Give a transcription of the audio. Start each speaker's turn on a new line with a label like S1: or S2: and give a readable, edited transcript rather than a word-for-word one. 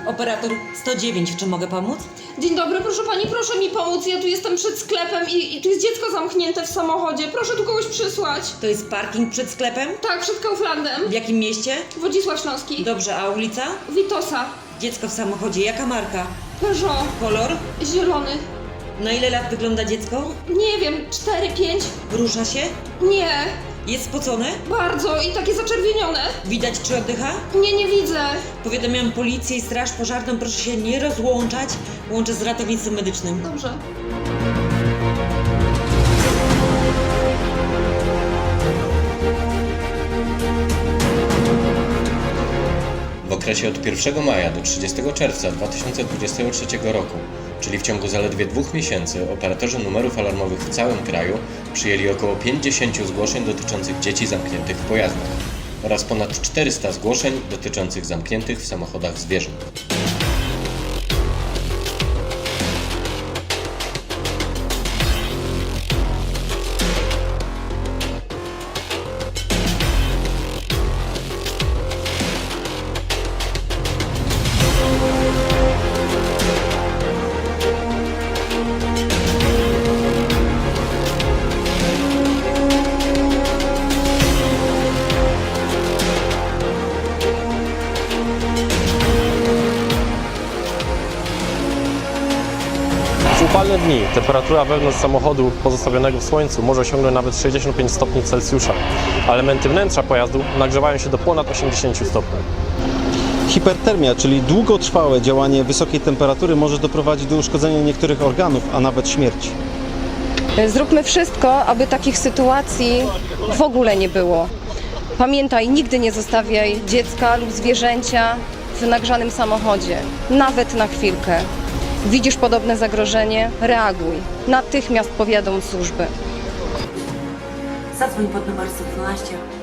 S1: Operator 109, czy mogę pomóc?
S2: Dzień dobry, proszę pani, proszę mi pomóc. Ja tu jestem przed sklepem i tu jest dziecko zamknięte w samochodzie. Proszę tu kogoś przysłać.
S1: To jest parking przed sklepem?
S2: Tak, przed Kauflandem.
S1: W jakim mieście?
S2: Wodzisław Śląski.
S1: Dobrze, a ulica?
S2: Witosa.
S1: Dziecko w samochodzie, jaka marka?
S2: Peugeot.
S1: Kolor?
S2: Zielony.
S1: Na ile lat wygląda dziecko?
S2: Nie wiem, 4-5?
S1: Rusza się?
S2: Nie.
S1: Jest spocone?
S2: Bardzo i takie zaczerwienione.
S1: Widać, czy oddycha?
S2: Nie widzę.
S1: Powiadamiam policję i straż pożarną, proszę się nie rozłączać. Łączę z ratownictwem medycznym.
S2: Dobrze.
S3: W okresie od 1 maja do 30 czerwca 2023 roku, czyli w ciągu zaledwie 2 miesięcy, operatorzy numerów alarmowych w całym kraju przyjęli około 50 zgłoszeń dotyczących dzieci zamkniętych w pojazdach oraz ponad 400 zgłoszeń dotyczących zamkniętych w samochodach zwierząt.
S4: W upalne dni temperatura wewnątrz samochodu pozostawionego w słońcu może osiągnąć nawet 65 stopni Celsjusza, a elementy wnętrza pojazdu nagrzewają się do ponad 80 stopni.
S5: Hipertermia, czyli długotrwałe działanie wysokiej temperatury, może doprowadzić do uszkodzenia niektórych organów, a nawet śmierci.
S6: Zróbmy wszystko, aby takich sytuacji w ogóle nie było. Pamiętaj, nigdy nie zostawiaj dziecka lub zwierzęcia w nagrzanym samochodzie, nawet na chwilkę. Widzisz podobne zagrożenie? Reaguj. Natychmiast powiadom służby.
S1: Zadzwoń pod numer 112.